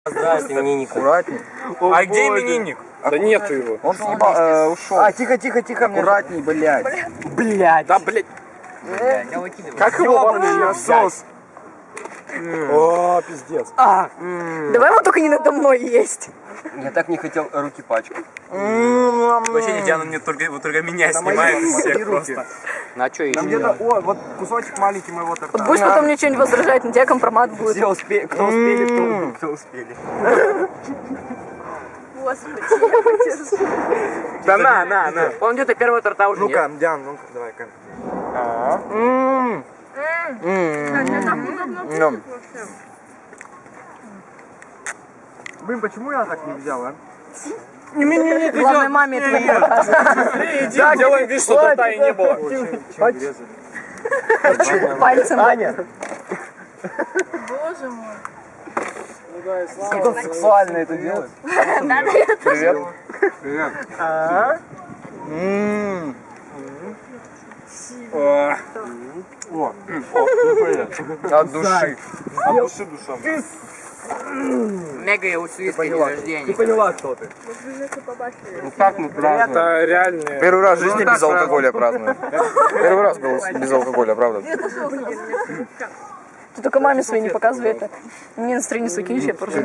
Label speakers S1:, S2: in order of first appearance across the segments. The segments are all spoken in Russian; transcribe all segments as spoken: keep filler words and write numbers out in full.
S1: Здравствуйте, именинник.
S2: Аккуратней.
S3: О, а где именинник?
S2: Да нету его. Он съебал, э, ушел. А, тихо, тихо, тихо. Аккуратней, блядь.
S1: Блядь.
S3: Да, блядь.
S1: Блядь, я выкидываю.
S3: Как его вообще насос? О, пиздец.
S1: А,
S4: Давай его только не надо мной есть.
S1: я так не хотел руки пачкать.
S3: Вообще не Диана, мне только, вот только меня снимает из всех просто.
S1: На что еще?
S2: Там где-то, о, вот кусочек маленький моего торта.
S4: Вот будешь потом мне что-нибудь возражать, на тебя компромат будет.
S2: Все, успе... кто успели, кто, кто успели.
S4: Господи, я подержу.
S3: Да на, на, на.
S1: Он где-то первого торта уже
S2: Ну-ка,
S1: нет.
S2: Диан, ну-ка, давай-ка. Блин, почему я так не взял, а?
S4: Главное, маме это не показывать.
S3: Да, делаем вид, что торта и не было.
S4: Пальцем.
S2: Аня!
S4: Боже мой.
S2: Как он сексуально это делает. Привет. Привет. Ммм.
S3: О,
S2: О, от души.
S3: от души душа.
S1: Мега и усвистка день
S2: Ты
S1: рождения.
S2: поняла, кто ты?
S1: Ну как мы празднуем?
S3: Это реальные.
S2: Первый раз в жизни без алкоголя праздную. Первый раз был без алкоголя, правда?
S4: Ты только маме своей не показывай это. Мне настроение сукинешь, я поржу.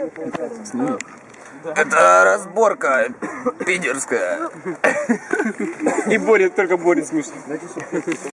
S2: Это разборка питерская.
S3: И Боря, только Боря слушает.